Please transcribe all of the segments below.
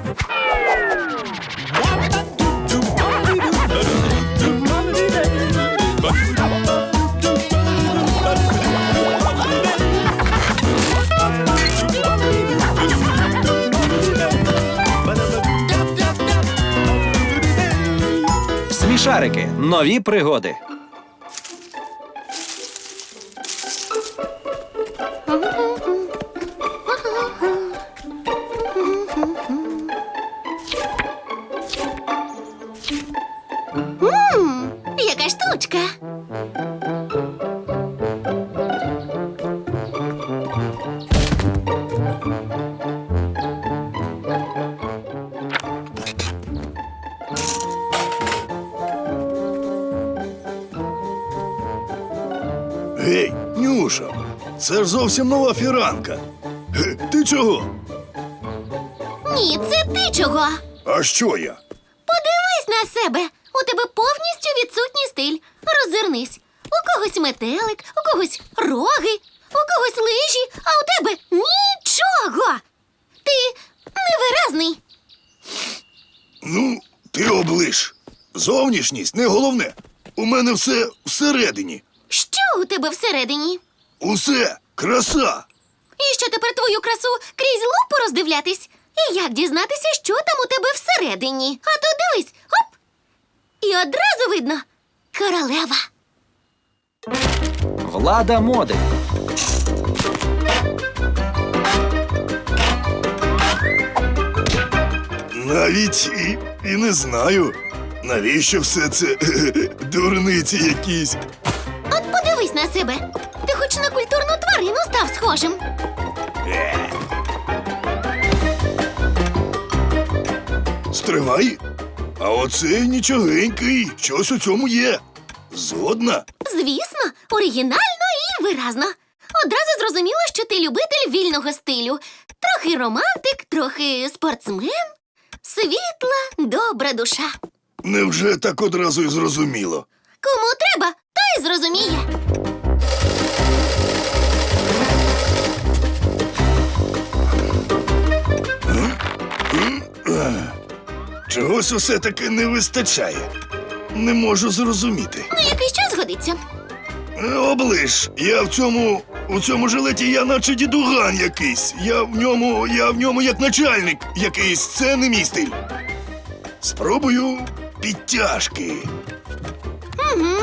Смішарики. Нові пригоди. Яка штучка. Гей, Нюша, це ж зовсім нова фіранка. Ти чого? Ні, це ти чого? А що я? Подивись на себе. У тебе повністю відсутній стиль. Роззирнись. У когось метелик, у когось роги, у когось лижі, а у тебе нічого. Ти невиразний. Ну, ти оближ. Зовнішність не головне. У мене все всередині. Що у тебе всередині? Усе краса. І що тепер твою красу крізь лупу роздивлятись? І як дізнатися, що там у тебе всередині? А то дивись, хоп! І одразу видно — королева. Влада моди. Навіть і не знаю, навіщо все це дурниці якісь. От подивись на себе. Ти хоч на культурну тварину став схожим. Стривай. А оце нічогенький, щось у цьому є. Згодна? Звісно, оригінально і виразно. Одразу зрозуміло, що ти любитель вільного стилю. Трохи романтик, трохи спортсмен. Світла, добра душа. Невже так одразу й зрозуміло? Кому треба, той зрозуміє. Чогось усе-таки не вистачає. Не можу зрозуміти. Ну, якийсь час годиться. Оближ, у цьому жилеті я наче дідуган якийсь. Я в ньому як начальник якийсь. Це не мій стиль. Спробую підтяжки. Угу.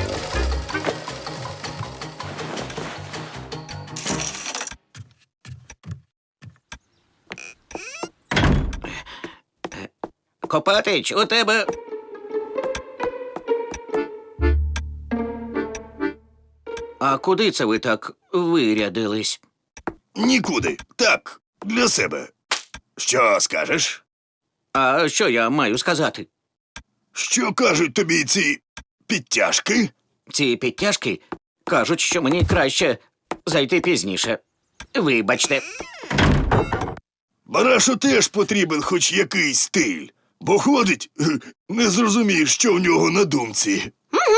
Копатич, у тебе... А куди це ви так вирядились? Нікуди. Так, для себе. Що скажеш? А що я маю сказати? Що кажуть тобі ці підтяжки? Ці підтяжки кажуть, що мені краще зайти пізніше. Вибачте. Барашу теж потрібен хоч якийсь стиль. Бо ходить, не зрозумієш, що в нього на думці.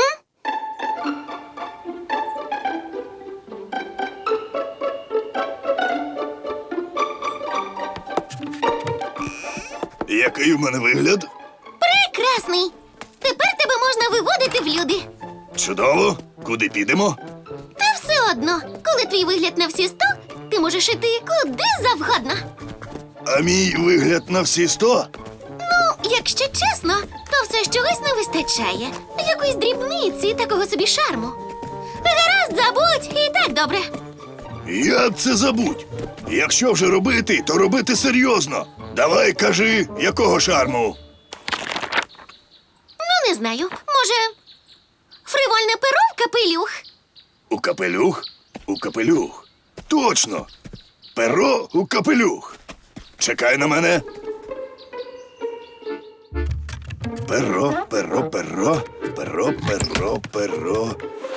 Який в мене вигляд? Прекрасний. Тепер тебе можна виводити в люди. Чудово. Куди підемо? Та все одно, коли твій вигляд на всі 100, ти можеш іти куди завгодно. А мій вигляд на всі 100? Ну, якщо чесно, то все ж чогось не вистачає. Якоїсь дрібниці, такого собі шарму. Гаразд, забудь, і так добре. Як це забудь? Якщо вже робити, то робити серйозно. Давай, кажи, якого шарму? Ну, не знаю, може, фривольне перо в капелюх? У капелюх? У капелюх. Точно. Перо у капелюх. Чекай на мене. Перо, перо, перо, перо, перо, перо.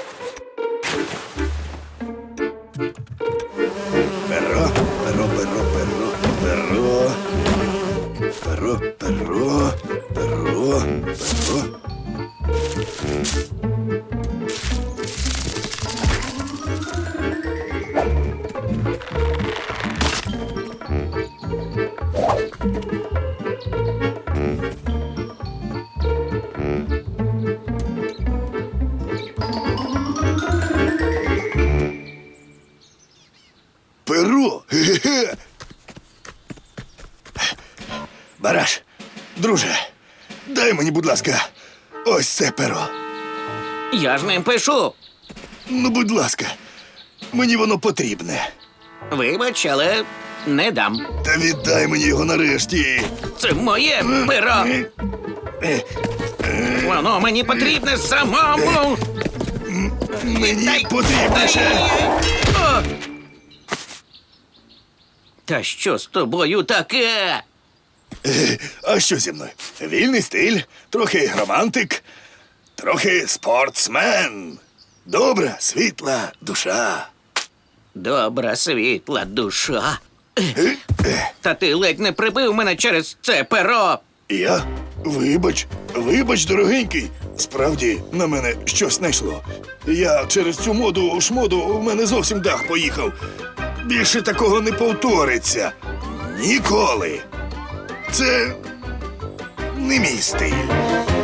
Перо, перо, перо, перо, перо. Перо, перо, перо, перо. Перо? Ге-ге-ге. Бараш, друже, дай мені, будь ласка, ось це перо. Я ж ним пишу. Ну, будь ласка, мені воно потрібне. Вибач, але не дам. Та віддай мені його нарешті. Це моє перо. Воно мені потрібне самому. Мені потрібніше. О! Та що з тобою таке? А що зі мною? Вільний стиль, трохи романтик, трохи спортсмен. Добра, світла душа. Добра, світла душа. Та ти ледь не прибив мене через це перо. Я? Вибач, дорогенький. Справді, на мене щось найшло. Я через цю шмоду в мене зовсім дах поїхав. Більше такого не повториться. Ніколи. Це не мій стиль.